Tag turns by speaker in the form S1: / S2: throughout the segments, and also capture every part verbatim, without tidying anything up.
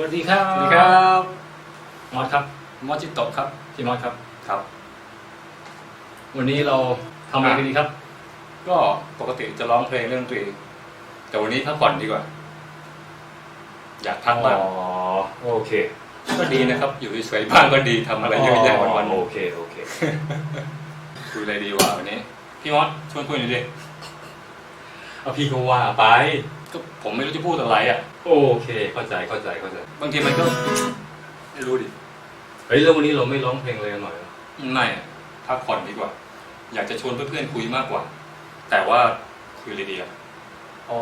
S1: วัสดีครับ
S2: สวัสดีครับ
S1: มอสครับ
S2: มอจิโตะครับ
S1: พี่มอสครับ
S2: ครับ
S1: วันนี้เราทำอะไรกันดีครับ
S2: ก็ปกติจะร้องเพลงเรื่องดนตรีแต่วันนี้พักผ่อนดีกว่า อยากพักบ้าง
S1: อ๋อโอเค
S2: ก็ดีนะครับ อยู่เฉยๆบ้างก็ดีทำอะไรเยอะแยะวันๆ
S1: โอเคโอเค
S2: คุยอะไรดีวะวันนี้พี่มอสชวนคุยหน่อยดิ
S1: เอาพี่ก็ว่าไป
S2: ก็ผมไม่รู้จะพูดอะไรอ่ะ
S1: โอเคเข้าใจเข้าใจเข้าใจ
S2: บางทีมันก็ไม่รู้ดิ
S1: เฮ้ยแล้ววันนี้เราไม่ร้องเพลงเลยกันหน่อยเหรอ
S2: ไม่อะพักผ่อนดีกว่า อยากจะชวนเพื่อนๆคุยมากกว่า แต่ว่าคุยอะไรดีอ่ะ
S1: อ๋อ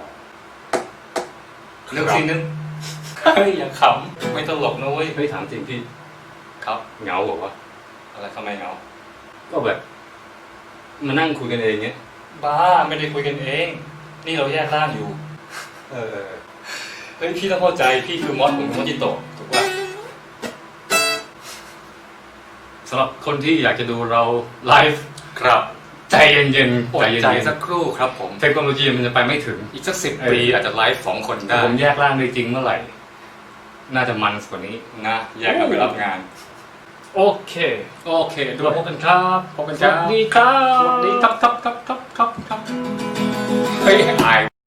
S2: เรื่องซีนนึงเฮ้ยอย่าขำไม่ตลกนะเว้ย
S1: เฮ้ยถามจริงพี่
S2: ครับ
S1: เหงาเหรอวะ
S2: อะไรทำไมเหงา
S1: ก็แบบมานั่งคุยกันเองเงี้ย
S2: บ้าไม่ได้คุยกันเอง นี่เราแยกร่างอยู่
S1: เออ
S2: เฮ้ยพี่ต้องเข้าใจพี่คือมอสผมคือมอสจิโตะถูกป่ะ
S1: สำหรับคนที่อยากจะดูเราไลฟ์
S2: ครับ
S1: ใจเย็นๆ
S2: อด
S1: ใจเย็น
S2: ใจ
S1: ๆ
S2: สักครู่ครับผม
S1: เทคโนโลยีมันจะไปไม่ถึง
S2: อีกสักสิบ
S1: เอ้ย
S2: ปีอาจจะไลฟ์สองคนได้
S1: ผมแยกร่างได้จริงเมื่อไหร่ น่าจะมันกว่านี้
S2: นะแยกกันไปรับงาน
S1: โอเค
S2: โอเคดู
S1: เราพบกันครับ
S2: พบกันครับ
S1: สวัสดีครับ
S2: สวัสดีครับครับครับครับครับครับเฮ้ยอาย